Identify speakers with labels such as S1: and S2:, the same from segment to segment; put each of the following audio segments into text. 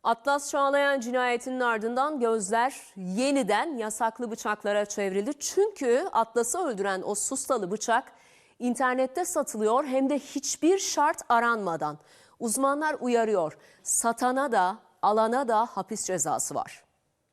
S1: Atlas Çağlayan cinayetinin ardından gözler yeniden yasaklı bıçaklara çevrildi. Çünkü Atlas'ı öldüren o sustalı bıçak internette satılıyor, hem de hiçbir şart aranmadan. Uzmanlar uyarıyor, satana da alana da hapis cezası var.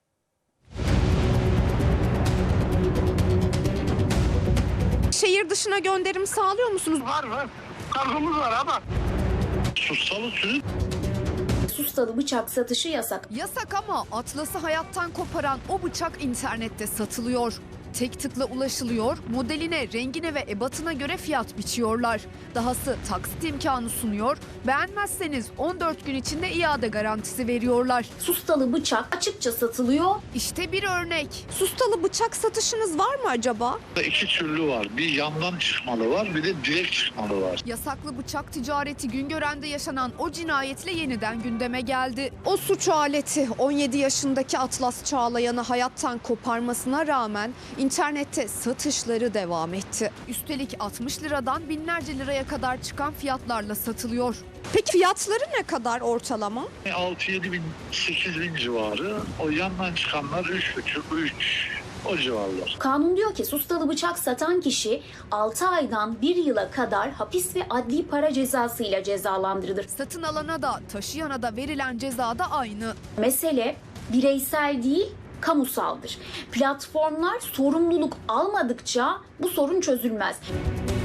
S2: Şehir dışına gönderim sağlıyor musunuz?
S3: Var. Kargomuz var ama. Sustalı sürü.
S4: Sustalı bıçak satışı yasak.
S2: Yasak ama Atlas'ı hayattan koparan o bıçak internette satılıyor. Tek tıkla ulaşılıyor, modeline, rengine ve ebatına göre fiyat biçiyorlar. Dahası taksit imkanı sunuyor, beğenmezseniz 14 gün içinde iade garantisi veriyorlar.
S4: Sustalı bıçak açıkça satılıyor.
S2: İşte bir örnek. Sustalı bıçak satışınız var mı acaba?
S3: İki türlü var. Bir yandan çıkmalı var, bir de direkt çıkmalı var.
S2: Yasaklı bıçak ticareti Güngören'de yaşanan o cinayetle yeniden gündeme geldi. O suç aleti 17 yaşındaki Atlas Çağlayan'ı hayattan koparmasına rağmen internette satışları devam etti. Üstelik 60 liradan binlerce liraya kadar çıkan fiyatlarla satılıyor. Peki fiyatları ne kadar ortalama?
S3: 6-7 bin, 8 bin civarı. O yandan çıkanlar 3,5-3 o civarlar.
S4: Kanun diyor ki sustalı bıçak satan kişi 6 aydan 1 yıla kadar hapis ve adli para cezasıyla cezalandırılır.
S2: Satın alana da taşıyana da verilen ceza da aynı.
S4: Mesele bireysel değil, kamusaldır. Platformlar sorumluluk almadıkça bu sorun çözülmez.